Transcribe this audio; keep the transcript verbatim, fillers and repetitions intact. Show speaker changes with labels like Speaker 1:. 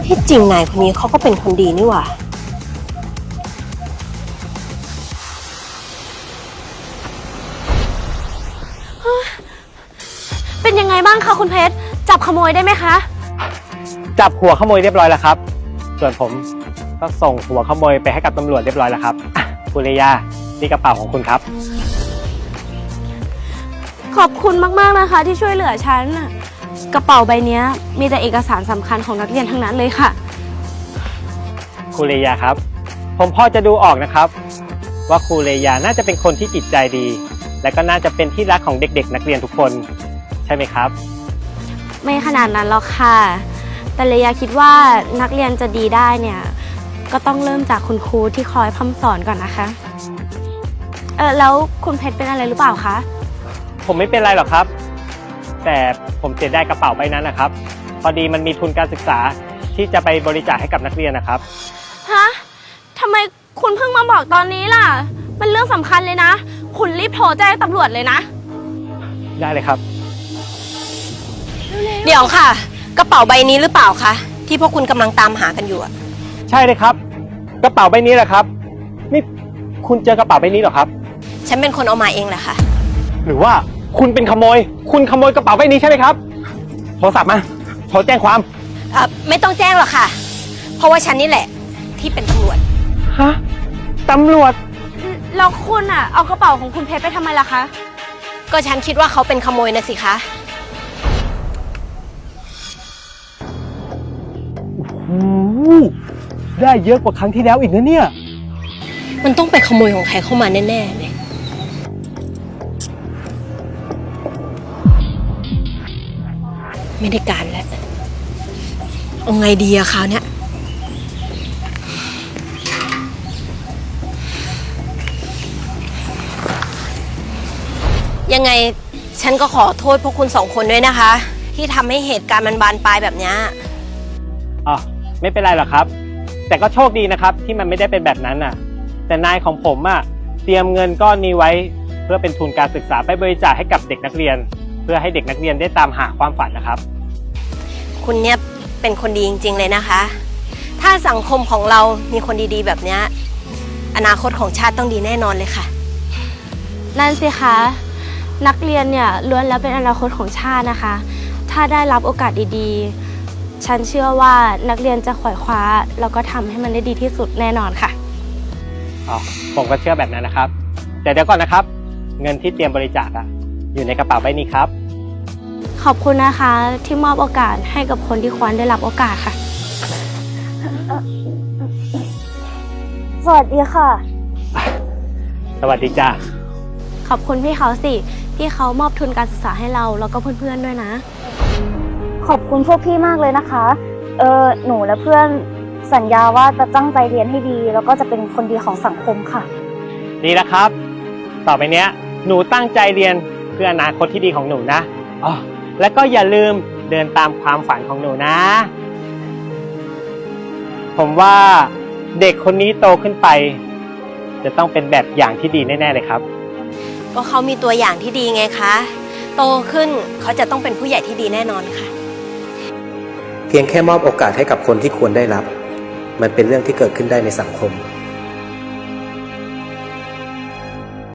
Speaker 1: ที่จริงนายคนนี้เขาก็เป็นคนดีนี่หว่า
Speaker 2: เป็นยังไงบ้างคะคุณเพชรจับขโมยได้ไหมคะ
Speaker 3: จับหัวขโมยเรียบร้อยแล้วครับส่วนผมก็ส่งหัวขโมยไปให้กับตำรวจเรียบร้อยแล้วครับคุณเลยานี่กระเป๋าของคุณครับ
Speaker 2: ขอบคุณมากๆนะคะที่ช่วยเหลือฉันกระเป๋าใบนี้มีแต่เอกสารสำคัญของนักเรียนทั้งนั้นเลยค่ะ
Speaker 3: คุณเลยาครับผมพอจะดูออกนะครับว่าครูเลยาน่าจะเป็นคนที่จิตใจดีและก็น่าจะเป็นที่รักของเด็กๆนักเรียนทุกคนใช่ไหมครับ
Speaker 2: ไม่ขนาดนั้นหรอกค่ะแต่เลยาคิดว่านักเรียนจะดีได้เนี่ยก็ต้องเริ่มจากคุณครูที่คอยพร่ำสอนก่อนนะคะเออแล้วคุณเพชรเป็นอะไรหรือเปล่าคะ
Speaker 3: ผมไม่เป็นไรหรอกครับแต่ผมเสียดายกระเป๋าใบนั้นนะครับพอดีมันมีทุนการศึกษาที่จะไปบริจาคให้กับนักเรียนนะครับ
Speaker 2: ฮะทำไมคุณเพิ่งมาบอกตอนนี้ล่ะมันเรื่องสำคัญเลยนะคุณรีบโทรแจ้งตำรวจเลยนะ
Speaker 3: ได้เลยครับ
Speaker 1: เดี๋ยวค่ะกระเป๋าใบนี้หรือเปล่าคะที่พวกคุณกำลังตามหากันอยู่อะ
Speaker 3: ใช่เลยครับกระเป๋าใบนี้แหละครับนี่คุณเจอกระเป๋าใบนี้เหรอครับ
Speaker 1: ฉันเป็นคนเอามาเองแหละค่ะ
Speaker 3: หรือว่าคุณเป็นขโมยคุณขโมยกระเป๋าใบนี้ใช่ไหมครับโทรศัพท์มาโทรแจ้งความ
Speaker 1: เอ่อไม่ต้องแจ้งหรอกค่ะเพราะว่าฉันนี่แหละที่เป็นตำรวจ
Speaker 3: ฮะตำรวจ
Speaker 2: แล้วคุณอะเอากระเป๋าของคุณเพชรไปทำไมล่ะคะ
Speaker 1: ก็ฉันคิดว่าเขาเป็นขโมยนะสิคะ
Speaker 3: โอ้โหได้เยอะกว่าครั้งที่แล้วอีกนะเนี่ย
Speaker 1: มันต้องไปขโมยของใครเข้ามาแน่ๆเลยไม่ได้การแล้วเอาไงดีอะคราวเนี้ยยังไงฉันก็ขอโทษพวกคุณสองคนด้วยนะคะที่ทำให้เหตุการณ์มันบานปลายแบบนี้
Speaker 3: อ๋อไม่เป็นไรหรอกครับแต่ก็โชคดีนะครับที่มันไม่ได้เป็นแบบนั้นน่ะแต่นายของผมอะเตรียมเงินก้อนนี้ไว้เพื่อเป็นทุนการศึกษาไปบริจาคให้กับเด็กนักเรียนเพื่อให้เด็กนักเรียนได้ตามหาความฝันนะครับ
Speaker 1: คุณเนี่ยเป็นคนดีจริงๆเลยนะคะถ้าสังคมของเรามีคนดีๆแบบนี้อนาคตของชาติต้องดีแน่นอนเลยค่ะ
Speaker 2: นั่นสิคะนักเรียนเนี่ยล้วนแล้วเป็นอนาคตของชาตินะคะถ้าได้รับโอกาสดีๆฉันเชื่อว่านักเรียนจะขวายคว้าแล้วก็ทำให้มันได้ดีที่สุดแน่นอนค่ะ
Speaker 3: อ๋อผมก็เชื่อแบบนั้นนะครับแต่เดี๋ยวก่อนนะครับเงินที่เตรียมบริจาคอะอยู่ในกระเป๋าใบนี้ครับ
Speaker 2: ขอบคุณนะคะที่มอบโอกาสให้กับคนที่ควรได้รับโอกาสค่ะสวัสดีค่ะ
Speaker 3: สวัสดีจ้า
Speaker 2: ขอบคุณพี่เขาสิที่เขามอบทุนการศึกษาให้เราแล้วก็เพื่อนๆด้วยนะ
Speaker 4: ขอบคุณพวกพี่มากเลยนะคะเออหนูและเพื่อนสัญญาว่าจะตั้งใจเรียนให้ดีแล้วก็จะเป็นคนดีของสังคมค่ะ
Speaker 3: ดีแล้วครับต่อไปเนี้ยหนูตั้งใจเรียนเพื่ออนาคตที่ดีของหนูนะอ๋อแล้วก็อย่าลืมเดินตามความฝันของหนูนะผมว่าเด็กคนนี้โตขึ้นไปจะต้องเป็นแบบอย่างที่ดีแน่ๆเลยครับ
Speaker 1: ก็เขามีตัวอย่างที่ดีไงคะโตขึ้นเขาจะต้องเป็นผู้ใหญ่ที่ดีแน่นอนค่ะ
Speaker 5: เพียงแค่มอบโอกาสให้กับคนที่ควรได้รับมันเป็นเรื่องที่เกิดขึ้นได้ในสังคม